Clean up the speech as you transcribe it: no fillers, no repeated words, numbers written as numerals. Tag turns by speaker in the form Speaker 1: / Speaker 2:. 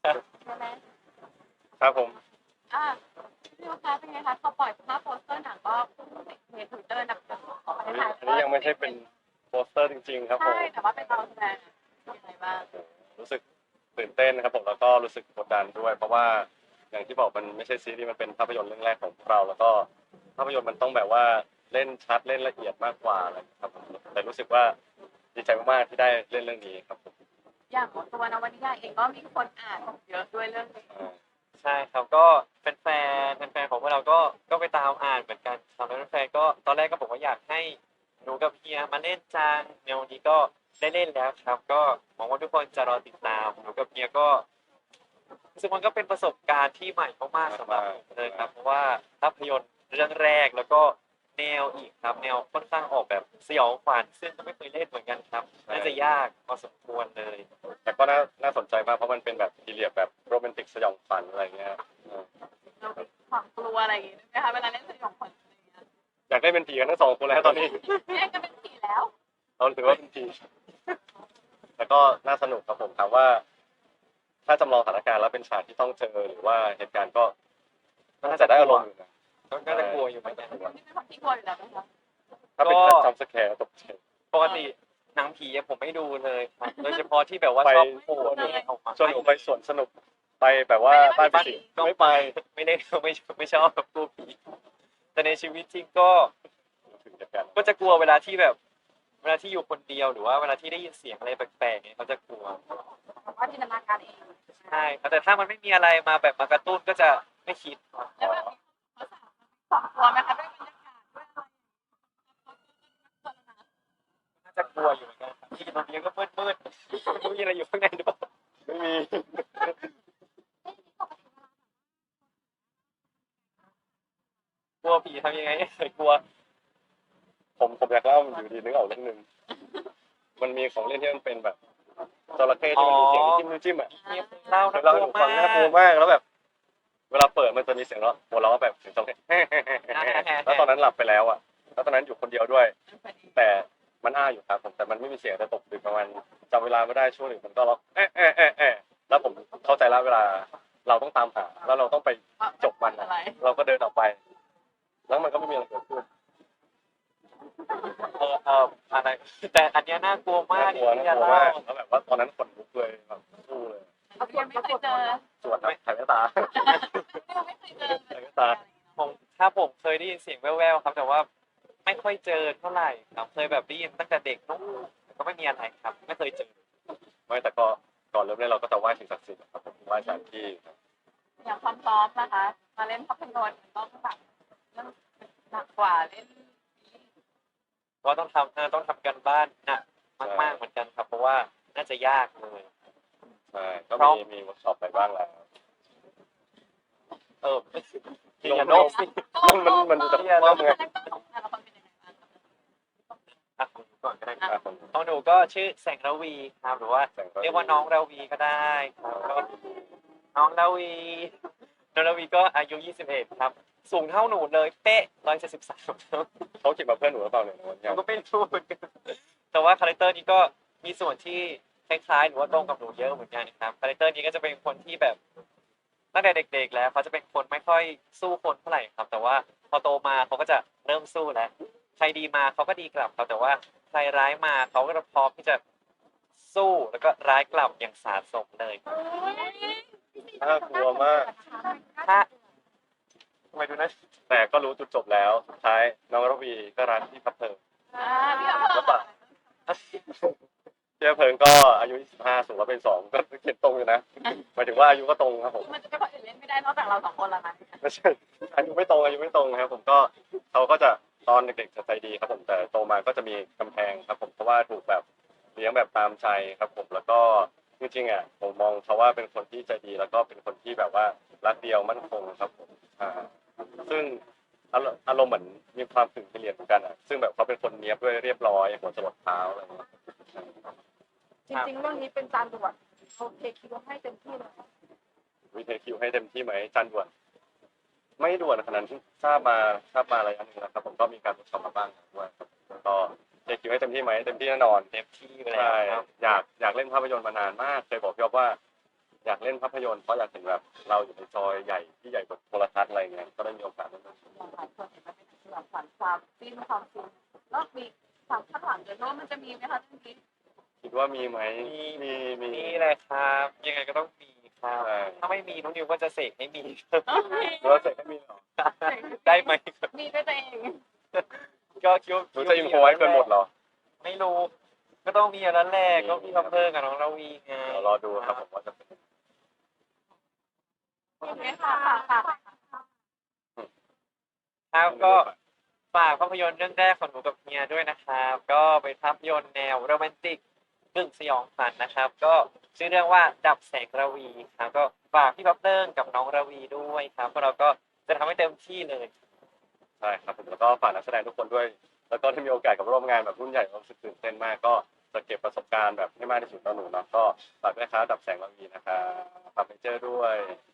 Speaker 1: ใช่ไหม
Speaker 2: ครับผม
Speaker 1: อ่าพี่ลูกค้าเป็นไงคะพอปล่อยภาพโปสเตอร์หนังก็ติดเทรนด์ทวิตเตอร์หนักของประเทศไทย
Speaker 2: อันนี้ยังไม่ใช่เป็นโปสเตอร์จริงๆครับผ
Speaker 1: ใช่
Speaker 2: ม
Speaker 1: แต่ว่าเป็นเราแสดงยังไงบ้าง
Speaker 2: รู้สึกตื่นเต้นนะครับผมแล้วก็รู้สึกกดดันด้วยเพราะว่าอย่างที่บอกมันไม่ใช่ซีรีส์มันเป็นภาพยนตร์เรื่องแรกของพวกเราแล้วก็ภาพยนตร์มันต้องแบบว่าเล่นชัดเล่นละเอียดมากกว่าอะไรครับผมแต่รู้สึกว่าดีใจมากๆที่ได้เล่นเรื่องนี้ครับผม
Speaker 1: อย่างตัวนวนิยายเองก็มีคนอ่านเยอะด้วยเรื่องนี้
Speaker 2: อ่า
Speaker 3: ใช่ครับก็แฟนของพวกเราก็ไปตามอ่านเหมือนกันสำหรับแฟนๆก็ตอนแรกก็บอกว่าอยากให้หนูกับเฮียมาเล่นจังในวันนี้ก็ได้เล่นแล้วครับก็หวังว่าทุกคนจะรอติดตามหนูกับเฮียก็รู้สึกมันก็เป็นประสบการณ์ที่ใหม่มากๆสำหรับผมเลยครับเพราะว่าภาพยนตร์เรื่องแรกแล้วก็แนวอีกครับแนวค่อนข้างออกแบบสยองขวัญซึ่งก็ไม่เคยเล่นเหมือนกันครับน่าจะยากพอสมควรเลย
Speaker 2: แต่ก็น่าสนใจมากเพราะมันเป็นแบบพีเรียดแบบโรแมนติกสยองขวัญอะไรเงี้ย
Speaker 1: เรามีความกลัวอะไรอย่างงี้ไหมคะเวลาเล่นสยองขวัญอะไรอย่างเงี้ย
Speaker 2: อยากได้เป็นผีกันทั้งสองคนแล้วตอนนี้
Speaker 1: พี่เองก็เป็นผีแล้ว
Speaker 2: เราถือว่าเป็นผีแต่ก็น่าสนุกครับผมถามว่าถ้าจำลองสถานการณ์แล้วเป็นฉากที่ต้องเจอหรือว่าเหตุการณ์ก็น่าจะได้อารมณ์อยู่นะ
Speaker 3: ก็น่าจะกลัวอยู่เหมือนกัน
Speaker 1: นี่เป็นคนที่กลัวอยู่แล้วไหมคะ
Speaker 2: ถ้าเป็นการจัมป์สแคร์ตกใจ
Speaker 3: ปกติหนังผีผมไม่ดูเลยครับโดยเฉพาะที่แบบว่า
Speaker 2: ไป
Speaker 3: ชอบโผล่เนี่ยออกมา
Speaker 2: ชวนหนูไปสวนสนุกไปแบบว่าบ้านผีสิงไม่ไป
Speaker 3: ไม่ได้ไม่ชอบแบบกลัวผีแต่ในชีวิตจริงก็
Speaker 2: ถึงจะกัน
Speaker 3: ก็จะกลัวเวลาที่แบบเวลาที่อยู่คนเดียวหรือว่าเวลาที่ได้ยินเสียงอะไรแปลกๆเนี่ยเขาจะกลัว
Speaker 1: ว่าจินตนาการเอง
Speaker 3: ใช่ครับแต่ถ้ามันไม่มีอะไรมาแบบมากระตุ้นก็จะไม่คิดครับ
Speaker 1: แล้วแบบสองกลัวไหมคะด้วยบรรยากาศด้วยอะไร
Speaker 3: น่าจะกลัวอยู่เหมือนกันครับที่ตรงนี้ก็มืดไม่รู้มีอะไรอยู่ข้างในหรือเปล่า
Speaker 2: ไม่มี
Speaker 3: กลัวผีทำยังไงให้เคยกลัว
Speaker 2: ผมอยากเล่าอยู่ดีนึกออกเรื่องหนึ่งมันมีของเล่นที่มันเป็นแบบจระเข้ที่มันมีเสียงจิ้มจิ้มอ่ะ
Speaker 3: มีคนเล่า
Speaker 2: เค
Speaker 3: นะ
Speaker 2: ยเล่าให้
Speaker 3: ก
Speaker 2: ห
Speaker 3: ลั
Speaker 2: นู
Speaker 3: ว
Speaker 2: ฟั
Speaker 3: มาง
Speaker 2: น่ากลัว
Speaker 3: ก
Speaker 2: มากแล้วแบบ เวลาเปิดมันจะมีเสียงหัวเราะแบบเสียงจระเข้แล้วตอนนั้นหลับไปแล้วอ่ะแล้วตอนนั้นอยู่คนเดียวด้วย แต่มันอ้าอยู่ครับผมแต่มันไม่มีเสียงแต่ตกดึกประมาณจำเวลาไม่ได้ช่วงหนึ่งมันก็ร้องแล้วผมเข้าใจแล้วเวลาเราต้องตามหาแล้วเราต้องไปจบมันอะเราก็เดินออกไป แล้วมันก็ไม่มีอะไรเกิดขึ้น
Speaker 3: อะไรแต่อันเนี้ยน่ากลัวมา
Speaker 2: น่ากกลัว
Speaker 3: ที่
Speaker 2: น่ากลัว
Speaker 3: จะเล่า
Speaker 2: มากแล้วแบบว่าตอนนั้นขนลุกเลยแบบสู้เลย
Speaker 1: เอายังไม่เคยเจอ
Speaker 2: สวดแบบถ่ายแว่นตา
Speaker 1: ไม่เคยเจอ
Speaker 2: ถ่ายแว่นตา
Speaker 3: ผมเคยได้ยินเสียงแว่วๆครับแต่ว่าไม่ค่อยเจอเท่าไหร่ครับเคยแบบได้ยินตั้งแต่เด็กนู้นแต่ก็ไม่มีอะไรครับไม่เคยเจอ
Speaker 2: ไม่แต่ก็ก่อนเริ่มเล่นเราก็จะไหว้สิ่งศักดิ์สิทธิ์ครับผมไหว้สถานที่ครับ
Speaker 1: อย่างความพร้อมนะคะมาเล่นภาพยนตร์ต้องแบบเรื่องหนักกว่าเล่น
Speaker 3: ก็ต้องทำกันบ้านหนักมากๆเหมือนกันครับเพราะว่าน่าจะยากเลย
Speaker 2: ใช่ก็มีเวิร์กช็อปไปบ้างแล้ว
Speaker 3: ที่อย่าโน้มสิ
Speaker 2: มันจะว่าไง
Speaker 3: อ่ะของหนูก่อนก็ได้ครับ
Speaker 2: อ่ะผม
Speaker 3: ของหนูก็ชื่อแสงระวีครับหรือว่าเรียกว่าน้องระวีก็ได้ครับก็น้องระวีน้องระวีก็อายุ21ครับสูงเท่าหนูเลยเป๊ะ173ครับ
Speaker 2: เขาคิดมาเพื่อนหนูหรือเปล่าเนี่ย
Speaker 3: หนูก็ไม่รู้เหมือนกันแต่ว่าคาแรคเตอร์นี้ก็มีส่วนที่คล้ายๆหรือว่าตรงกับหนูเยอะเหมือนกันนะครับคาแรคเตอร์นี้ก็จะเป็นคนที่แบบตั้งแต่เด็กๆแล้วเขาจะเป็นคนไม่ค่อยสู้คนเท่าไหร่ครับ แต่ว่าพอโตมาเขาก็จะเริ่มสู้แล้วใครดีมาเขาก็ดีกลับครับแต่ว่าใครร้ายมาเขาก็จะพร้อมที่จะสู้แล้วก็ร้ายกลับอย่างสาสมเลย
Speaker 2: น่ากลัวมาก
Speaker 3: ถ้าทำไมดูนะ
Speaker 2: แต่ก็รู้จุดจบแล้วสุดท้ายน้องระวีก็รักพี่พับเพิง
Speaker 1: พี่เอา
Speaker 2: แล้วปะพี่พับเพิงก็อายุ25สูง102ก็เขียนตรงอยู่นะหมายถึงว่าอายุก็ตรงครับผม
Speaker 1: มันจะเป็นคนอื่นเล่นไม่ได้นอกจากเราสองคนละนะ
Speaker 2: ไม่ใช่อายุไม่ตรงครับผมก็เขาก็จะตอนเด็กๆจะใจดีครับผมแต่โตมาก็จะมีกำแพงครับผมเพราะว่าถูกแบบเลี้ยงแบบตามใจครับผมแล้วก็จริงๆอ่ะผมมองเขาว่าเป็นคนที่ใจดีแล้วก็เป็นคนที่แบบว่ารักเดียวมั่นคงครับผมซึ่งอารมณ์เหมือนมีความถึงพิเรียนเหมือนกันอ่ะซึ่งแบบเขาเป็นคนเนี้ยบด้วยเรียบร้อยหัวจรดเท้าอะไรอย่างเงี้ย
Speaker 1: จริงๆเรื่องนี้เป็นจานด่วนโอเคคิดว่าให้เต็มที่เลย
Speaker 2: วิเทคิวให้เต็มที่ไหมจันด่วนไม่ด่วนขนาดนั้นทราบมาระยะหนึ่งแล้วครับผมก็มีการทดสอบมาบ้างด้วยครับก็เทคิวให้เต็มที่ไหมเต็มที่แน่นอน
Speaker 3: เต็มที่ไปแล้
Speaker 2: ใช่
Speaker 3: วครับ
Speaker 2: อยากเล่นภาพยนตร์มานานมากเคยบอกพี่อ๊อฟว่าอยากเล่นภาพยนตร์เพราะอยากเห็นแบบเราอยู่ในจอใหญ่ที่ใหญ่กว่าโทรทัศน์อะไรเงี้ยก็ได้มีโอกาสได้เล่น
Speaker 1: อย่างหลายคนเห็นมันเป็นแบบฝันความฟินความฟินแล้วมีความคาดหวังเลยว่ามันจะมีไหมคะเรื่องนี้
Speaker 2: คิดว่ามีไหม
Speaker 3: มี
Speaker 2: มี
Speaker 3: นี่เลยครับ ยังไงก็ต้องมีครับ
Speaker 2: ใช่
Speaker 3: ถ้าไม่มีน้องนิวก็จะเสกให้มี
Speaker 2: เราเสร็จก็มีเหรอ
Speaker 3: ได้ไหม
Speaker 1: มีด้วยตัวเอง
Speaker 3: ก็คิดว่า
Speaker 2: หนูจะอินโฟไว้เกินหมดเหรอ
Speaker 3: ไม่รู้ ก็ต้องมีอย่างนั้นแหละก็มีพัพเพิ่งกับน้องราวีไง
Speaker 2: เดี๋ยวรอดูครับผมว่าจะเป็น
Speaker 1: โอเคค่ะค่ะ
Speaker 3: ครับก็ฝากภาพยนตร์เรื่องแรกของหนูกับเฮียด้วยนะครับ ก็เป็นภาพยนตร์แนวโรแมนติกกึ่งสยองขวัญนะครับ ก็ชื่อเรื่องว่าดับแสงระวีครับก็ฝากพี่พัพเติ้งกับน้องระวีด้วยครับพวกเราก็จะทำให้เต็มที่เลย
Speaker 2: ใช่ครับผมแล้วก็ฝากนักแสดงทุกคนด้วย แล้วก็ได้มีโอกาสกับร่วมงานแบบรุ่นใหญ่รู้สึกตื่นเต้นมากก็จะเก็บประสบการณ์แบบให้มากที่สุดต่อหนูเนาะก็ฝากด้วยครับดับแสงระวีนะครับฝากไปเจอด้วย